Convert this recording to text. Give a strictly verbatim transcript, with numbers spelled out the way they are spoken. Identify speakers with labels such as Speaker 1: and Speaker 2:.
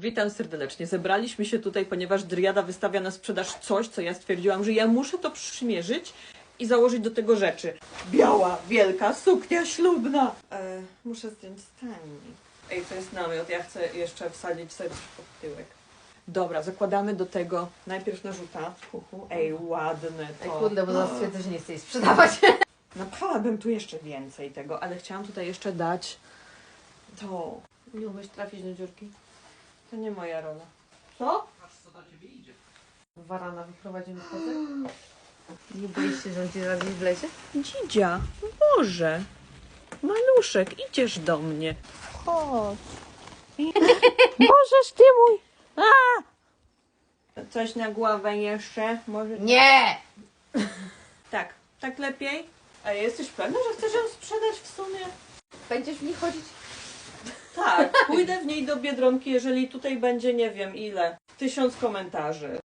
Speaker 1: Witam serdecznie. Zebraliśmy się tutaj, ponieważ Driada wystawia na sprzedaż coś, co ja stwierdziłam, że ja muszę to przymierzyć i założyć do tego rzeczy. Biała, wielka suknia ślubna. E, muszę zdjąć stanik. Ej, to jest namiot. Ja chcę jeszcze wsadzić sobie coś pod tyłek. Dobra, zakładamy do tego najpierw narzuta. Uhu, ej, ładne to.
Speaker 2: Ej, kurde, bo zaraz stwierdzę, że nie chcę jej sprzedawać.
Speaker 1: Napchałabym tu jeszcze więcej tego, ale chciałam tutaj jeszcze dać to.
Speaker 2: Nie umiesz trafić do dziurki?
Speaker 1: To nie moja rola. Co?
Speaker 3: Patrz, co na ciebie idzie.
Speaker 2: Warana wyprowadzimy kotek? Nie boisz się, że on ci zaraz gdzieś wlezie?
Speaker 1: Dzidzia, Boże, maluszek, idziesz do mnie. Chodź. Możesz ty mój. A! Coś na głowę jeszcze? Może...
Speaker 2: Nie!
Speaker 1: Tak, tak lepiej? A jesteś pewna, że chcesz ją sprzedać w sumie?
Speaker 2: Będziesz w niej chodzić?
Speaker 1: Tak, pójdę w niej do Biedronki, jeżeli tutaj będzie nie wiem ile. Tysiąc komentarzy.